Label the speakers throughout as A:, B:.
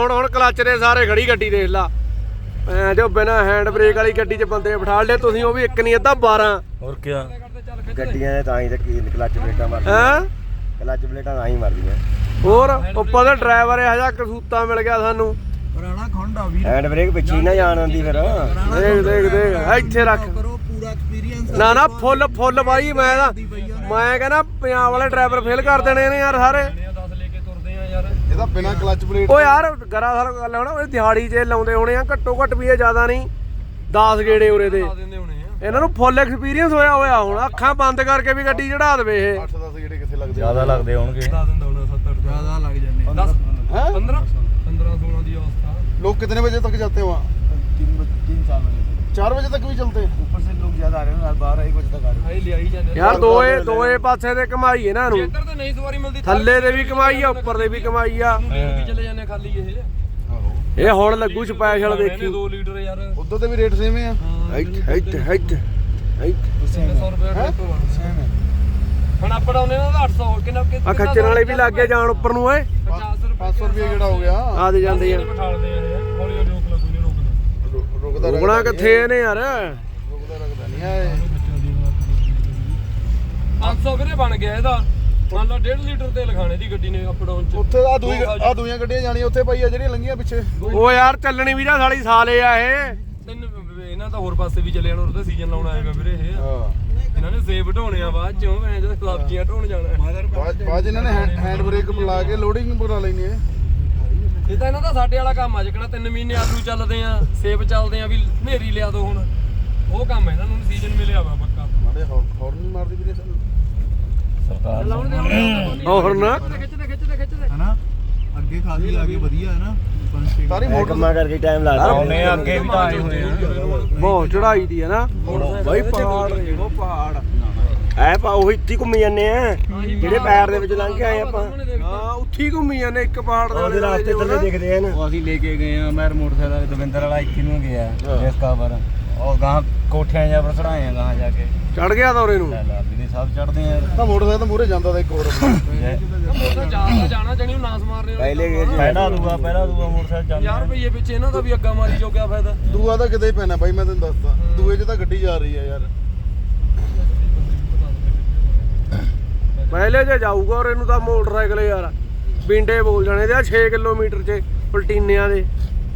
A: ਹੁਣ ਕਲੱਚ ਦੇ ਸਾਰੇ ਖੜੀ ਗੱਡੀ ਦੇਖ ਲਾ ਜੋ ਬਿਨਾ ਹੈਂਡ ਬ੍ਰੇਕ ਵਾਲੀ ਗੱਡੀ 'ਚ ਬੰਦੇ ਬਿਠਾ ਲਏ ਤੁਸੀਂ ਉਹ ਵੀ ਇੱਕ ਨਹੀਂ ਅੱਧਾ 12
B: ਹੋਰ ਕੀ
C: ਗੱਡੀਆਂ ਦੇ ਤਾਂ ਹੀ ਤਾਂ ਕੀ ਕਲੱਚ ਪਲੇਟਾਂ ਮਾਰਦੀਆਂ
A: ਹੈਂ
C: ਕਲੱਚ ਪਲੇਟਾਂ ਤਾਂ ਹੀ ਮਾਰਦੀਆਂ
A: ਹੋਰ ਉੱਪਰ ਦਾ ਡਰਾਈਵਰ ਇਹੋ ਜਿਹਾ ਕਸੂਤਾ ਮਿਲ ਗਿਆ ਸਾਨੂੰ
D: ਪੁਰਾਣਾ ਖੁੰਡਾ ਵੀਰ
C: ਹੈਂਡ ਬ੍ਰੇਕ ਪਿੱਛੇ ਹੀ ਨਾ ਜਾਣ ਆਉਂਦੀ ਫਿਰ
A: ਦੇਖ ਇੱਥੇ ਰੱਖ
D: ਕਰੋ ਪੂਰਾ ਐਕਸਪੀਰੀਅੰਸ
A: ਨਾ ਫੁੱਲ ਬਾਈ ਮੈਂ ਕਹਿੰਦਾ ਪੰਜਾਬ ਵਾਲੇ ਡਰਾਈਵਰ ਫੇਲ ਕਰ ਦੇਣੇ ਨੇ ਯਾਰ ਸਾਰੇ
D: ਇਹਦਾ ਬਿਨਾ ਕਲੱਚ ਪਲੇਟ
A: ਓ ਯਾਰ ਗਰਾ ਸਾਰ ਗੱਲ ਹੋਣਾ ਉਹ ਦਿਹਾੜੀ 'ਚ ਲਾਉਂਦੇ ਹੋਣੇ ਆ ਘੱਟੋ ਘੱਟ ਵੀ ਇਹ ਜ਼ਿਆਦਾ ਨਹੀਂ 10 ਗੇੜੇ ਉਰੇ ਦੇ ਇਹਨਾਂ ਨੂੰ ਫੁੱਲ ਐਕਸਪੀਰੀਅੰਸ ਹੋਇਆ ਹੁਣ ਅੱਖਾਂ ਬੰਦ ਕਰਕੇ ਵੀ ਗੱਡੀ ਚੜਾ ਦੇਵੇ ਇਹ
D: 8-10 ਜਿਹੜੇ ਕਿੱਥੇ ਲੱਗਦੇ
B: ਜ਼ਿਆਦਾ ਲੱਗਦੇ ਹੋਣਗੇ
D: ਜ਼ਿਆਦਾ ਲੱਗ ਜਾਂਦੇ
A: 15-16 ਦੀ ਅਵਸਥਾ
D: लोग कितने बजे तक जाते हैं वहाँ 3-4 बजे 4 बजे तक भी चलते हैं ऊपर से लोग ज्यादा आ रहे हैं 12-1 बजे तक आ रहे हैं
A: ਯਾਰ ਦੋਏ ਪਾਸੇ ਤੇ ਕਮਾਈ ਇਹਨਾਂ ਨੂੰ
E: ਇੱਧਰ ਤੇ ਨਹੀਂ ਸਵਾਰੀ ਮਿਲਦੀ
A: ਥੱਲੇ ਦੇ ਵੀ ਕਮਾਈ ਆ ਉੱਪਰ ਦੇ ਵੀ ਕਮਾਈ ਆ
E: ਵੀ ਚਲੇ ਜਾਂਦੇ ਖਾਲੀ ਇਹ
A: ਇਹ ਹੁਣ ਲੱਗੂ ਸਪੈਸ਼ਲ ਦੇਖੀ
E: 2 ਲੀਟਰ ਯਾਰ
D: उधर तो भी रेट सेम है
A: ਇੱਥੇ
E: 100 ਰੁਪਏ
D: सेम है
E: ਹੁਣ ਅਪ ਡਾਊਨ ਇਹਨਾਂ ਦਾ 800 ਕਿੰਨਾ
A: ਆ ਖੱਚਰ ਵਾਲੇ ਵੀ ਲੱਗ ਗਏ ਜਾਣ ਉੱਪਰ ਨੂੰ ਓਏ
D: 500 रुपये किड़ा हो गया
A: ਆ ਦੇ ਜਾਂਦੇ ਆ
E: ਬਿਠਾਲਦੇ ਆ ਹੌਲੀ ਹੌਲੀ ਰੋਕ ਲੱਗੂ ਨਹੀਂ ਰੋਕਣਾ
D: रुकदा
A: ਰੁਕਣਾ ਕਿੱਥੇ ਇਹਨੇ ਯਾਰ
D: रुकदा रखदा नहीं है
E: 500 ਵੀਰੇ ਬਣ ਗਿਆ ਇਹਦਾ ਮੰਨ ਲਾ 1.5 ਲੀਟਰ ਤੇਲ ਖਾਣੇ ਦੀ ਗੱਡੀ ਨੇ ਅਪ ਡਾਊਨ ਚ
D: ਉੱਥੇ ਆ ਦੂਈਆਂ ਗੱਡੀਆਂ ਜਾਣੀਆਂ ਉੱਥੇ ਪਈ ਆ ਜਿਹੜੀਆਂ ਲੰਘੀਆਂ ਪਿੱਛੇ
A: ਓ ਯਾਰ ਚੱਲਣੀ ਵੀ ਤਾਂ ਸਾਲੀ ਸਾਲੇ ਆ ਇਹ
E: ਤਿੰਨ ਇਹਨਾਂ ਤਾਂ ਹੋਰ ਪਾਸੇ ਵੀ ਚਲੇ ਜਾਣਾ ਉਹਦਾ ਸੀਜ਼ਨ ਲਾਉਣ ਆਏਗਾ ਵੀਰੇ ਇਹ
D: ਹਾਂ
E: ਇਹਨਾਂ ਨੇ ਸੇਬ ਢੋਣੇ ਆ ਬਾਅਦ ਚੋਂ ਮੈਂ ਜਦ ਸਬਜ਼ੀਆਂ ਢੋਣ ਜਾਣਾ
D: ਬਾਅਦ ਇਹਨਾਂ ਨੇ ਹੈਂਡ ਬ੍ਰੇਕ ਲਾ ਕੇ ਲੋਡਿੰਗ ਬਣਾ ਲੈਣੀ ਹੈ
E: ਇਹ ਤਾਂ ਇਹਨਾਂ ਦਾ ਸਾਡੇ ਵਾਲਾ ਕੰਮ ਆ ਜਿਕਣਾ 3 ਮਹੀਨੇ ਆਲੂ ਚੱਲਦੇ ਆ ਸੇਬ ਚੱਲਦੇ ਆ ਵੀ ਹਨੇਰੀ ਲਿਆ ਦੋ ਹੁਣ ਉਹ ਕੰਮ ਇਹਨਾਂ ਨੂੰ ਸੀਜ਼ਨ ਮਿਲਿਆ ਵਾ ਪੱਕਾ
D: ਮਾੜੇ ਹੌਰਨ ਨਹੀਂ ਮਾਰਦੀ ਵੀਰੇ ਸਾਨੂੰ
B: ਸਰਕਾਰ
A: ਹੋਰ ਨਾ
E: ਖਿੱਚਦੇ
D: ਹੈਨਾ ਅੱਗੇ ਖਾਸੀ ਆ ਗਏ ਵਧੀਆ ਹੈ ਨਾ ਸਾਰੀ
C: ਮੋਟਰ ਕੰਮਾਂ ਕਰਕੇ ਟਾਈਮ ਲੱਗਦਾ
B: ਆਉਨੇ ਅੱਗੇ ਵੀ ਤਾਂ ਆਏ ਹੋਏ ਆ
A: ਬਹੁਤ ਚੜਾਈ ਦੀ ਹੈ ਨਾ ਬਾਈ ਪਹਾੜ ਦੇਖੋ ਪਹਾੜ
C: ਐ ਪਾ ਉਹ ਇੱਥੇ ਘੁੰਮੀ ਜਾਂਦੇ ਆ ਜਿਹੜੇ ਪੈਰ ਦੇ ਵਿੱਚ ਲੰਘ ਕੇ ਆਏ ਆਪਾਂ
A: ਹਾਂ ਉੱਥੀ ਘੁੰਮੀ ਜਾਂਦੇ ਇੱਕ ਪਹਾੜ ਦੇ
C: ਉਹਦੇ ਰਾਸਤੇ ਥੱਲੇ ਦਿਖਦੇ ਆ ਨਾ
B: ਉਹ ਅਸੀਂ ਲੈ ਕੇ ਗਏ ਆ ਮੈਂ ਮੋਟਰਸਾਈਕਲ ਦਵਿੰਦਰ ਵਾਲਾ ਇੱਥੇ ਨੂੰ ਗਿਆ ਇਸ ਕਾਬਰ ਉਹ ਗਾਂ ਕੋਠਿਆਂ ਜਾਂ ਪਰ ਚੜਾਏ ਆ ਗਾਂ ਜਾ ਕੇ
A: ਚੜ ਗਿਆ ਦੌਰੇ ਨੂੰ
B: ਲੈ ਲਾ ਵੀਰੇ ਸਭ ਚੜਦੇ ਆ
D: ਤਾਂ ਮੋਟਰਸਾਈਕਲ ਤਾਂ ਮੂਹਰੇ ਜਾਂਦਾ ਤਾਂ ਇੱਕ ਹੋਰ
E: ਜਾਣਾ ਜਣੀ ਨਾਸ ਮਾਰ ਰਹੇ
C: ਪਹਿਲੇ ਗੇਰ
B: ਪਹਿਲਾ ਦੂਆ ਮੋਟਰਸਾਈਕਲ ਚੱਲ
E: 50 ਰੁਪਏ ਪਿੱਛੇ ਇਹਨਾਂ ਦਾ ਵੀ ਅੱਗਾ ਮਾਰੀ ਜੋ ਕਿਆ ਫਾਇਦਾ
D: ਦੂਆ ਤਾਂ ਕਿਤੇ ਹੀ ਪੈਣਾ ਬਾਈ ਮੈਂ ਤੈਨੂੰ ਦੱਸਦਾ ਦੂਏ 'ਚ ਤਾਂ ਗੱਡੀ ਜਾ ਰਹੀ ਆ ਯਾਰ
A: ਪਹਿਲੇ ਜੇ ਜਾਊਗਾ ਔਰ ਇਹਨੂੰ ਤਾਂ ਮੋਟਰਸਾਈਕਲ ਯਾਰ ਬਿੰਡੇ ਬੋਲ ਜਾਣੇ ਤੇ 6 ਕਿਲੋਮੀਟਰ 'ਚ ਪਲਟੀਨਿਆਂ ਦੇ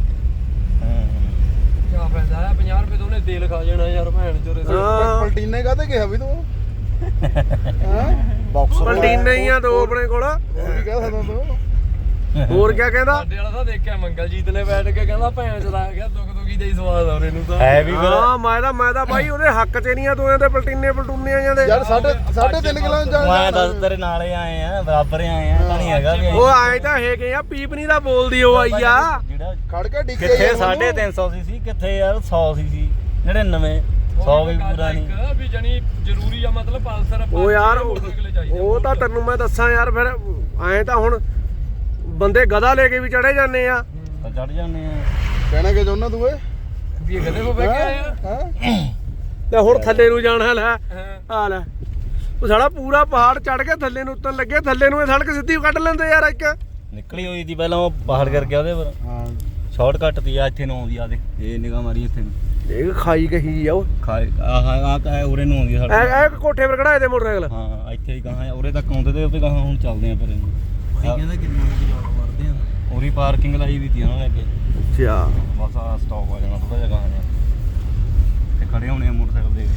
E: ਕਿਆ ਫਾਇਦਾ ਹੈ 50 ਰੁਪਏ ਤੋਂ ਉਹਨੇ ਤੇਲ ਖਾ ਜਾਣਾ ਯਾਰ ਭੈਣ ਚੋਰੇ
A: ਹਾਂ
D: ਪਲਟੀਨੇ ਕਾਹਤੇ ਕਿਹਾ ਵੀ ਤੂੰ ਹਾਂ
C: ਬਾਕਸਰ
A: ਪਲਟੀਨੇ ਹੀ ਆ ਦੋ ਆਪਣੇ ਕੋਲ
D: ਹੋਰ ਵੀ ਕਹਿ ਸਕਦਾ ਤੂੰ
A: ਹੋਰ ਕਿਆ ਕਹਿੰਦਾ
E: ਸਾਡੇ ਵਾਲਾ ਤਾਂ ਦੇਖਿਆ ਮੰਗਲਜੀਤ ਨੇ ਬੈਠ ਕੇ ਕਹਿੰਦਾ ਭੈਣ ਚਲਾ ਗਿਆ ਦੁੱਖ ਦੁਖੀ ਦਾ ਹੀ ਸਵਾਦ ਆ ਉਹਨੂੰ ਤਾਂ
B: ਹੈ ਵੀ ਫਿਰ
A: ਹਾਂ ਮੈਂ ਤਾਂ ਬਾਈ ਉਹਦੇ ਹੱਕ 'ਚ ਨਹੀਂ ਆ ਦੋਆਂ ਦੇ ਪਲਟੂਨੇ ਜਾਂਦੇ
D: ਯਾਰ 3.5 ਕਿਲੋ
B: ਮੈਂ ਦੱਸ ਤੇਰੇ ਨਾਲੇ ਆਏ ਆ ਬਰਾਬਰ ਆਏ ਆ ਤਾਂ ਨਹੀਂ ਹੈਗਾ ਵੀ
A: ਉਹ ਆਏ ਤਾਂ ਹੈਗੇ ਆ ਪੀਪਨੀ ਦਾ ਬੋਲਦੀ ਉਹ ਆਈ ਆ
B: ਜਿਹੜਾ
D: ਖੜ ਕੇ ਡਿੱਗੇ
B: ਕਿੱਥੇ 350 ਸੀ ਕਿੱਥੇ ਯਾਰ 100 ਸੀ 99 100 ਵੀ ਪੂਰਾ ਨਹੀਂ
E: ਵੀ ਜਣੀ ਜ਼ਰੂਰੀ ਆ ਮਤਲਬ ਪਲਸਰ
A: ਉਹ ਯਾਰ ਉਹ ਤਾਂ ਤੈਨੂੰ ਮੈਂ ਦੱਸਾਂ ਯਾਰ ਫਿਰ ਐਂ ਤਾਂ ਹੁਣ ਬੰਦੇ ਗਧਾ ਲੈ ਕੇ ਵੀ ਚੜੇ ਜਾਂਦੇ ਆ
B: ਤਾਂ ਚੜ ਜਾਂਦੇ ਆ
D: ਕਹਿਣਾ ਕਿ ਚਾਹੁੰਦਾ ਤੂੰ ਏ
E: ਵੀ ਇਹ ਕਦੇ ਕੋ ਬਹਿ ਕੇ ਆਏ ਆ
D: ਹਾਂ
A: ਤੇ ਹੁਣ ਥੱਲੇ ਨੂੰ ਜਾਣਾ ਲੈ ਆ ਲੈ ਉਹ ਸਾਲਾ ਪੂਰਾ ਪਹਾੜ ਚੜ ਕੇ ਥੱਲੇ ਨੂੰ ਉੱਤਰ ਲੱਗੇ ਥੱਲੇ ਨੂੰ ਇਹ ਸੜਕ ਸਿੱਧੀ ਕੱਢ ਲੈਂਦੇ ਯਾਰ ਇੱਕ
B: ਨਿਕਲੀ ਹੋਈ ਸੀ ਪਹਿਲਾਂ ਉਹ ਬਾਹਰ ਕਰਕੇ ਉਹਦੇ ਪਰ
D: ਹਾਂ
B: ਸ਼ਾਰਟਕਟ ਤੀ ਆ ਇੱਥੇ ਨੂੰ ਆਉਂਦੀ ਆ ਦੇ ਇਹ ਨਿਗਾਹ ਮਾਰੀ ਇੱਥੇ ਨੂੰ
A: ਇਹ ਖਾਈ ਕਹੀ ਆ ਉਹ
B: ਖਾਏ ਆਹ ਕਹੇ ਉਰੇ ਨੂੰ ਆਉਂਦੀ ਆ ਸਾਡੇ
A: ਇਹ ਕੋਠੇ ਪਰ ਖੜਾਏ ਦੇ ਮੋਟਰਸਾਈਕਲ
B: ਹਾਂ ਇੱਥੇ ਹੀ ਕਹਾਂ ਉਰੇ ਤੱਕ ਆਉਂਦੇ ਤੇ ਉਹ ਕਹਾਂ ਹੁਣ ਚੱਲਦੇ ਆ ਫਿਰ ਇਹਨੂੰ
D: ਕਹਿੰਦਾ ਕਿੰਨਾ ਜਾਣ ਮਾਰਦੇ ਆ
B: ਉਰੀ ਪਾਰਕਿੰਗ ਲਾਈ ਵੀ ਤੀ ਉਹਨਾਂ ਨੇ ਅੱਗੇ
A: ਅੱਛਾ
B: ਬਸ ਆ ਸਟਾਪ ਆ ਜਾਣਾ ਥੋੜਾ ਜਿਹਾ ਗਾਹਾਂ ਜਿਹਾ ਤੇ ਖੜੇ ਹੋਣੇ ਆ ਮੋਟਰਸਾਈਕਲ ਦੇਖ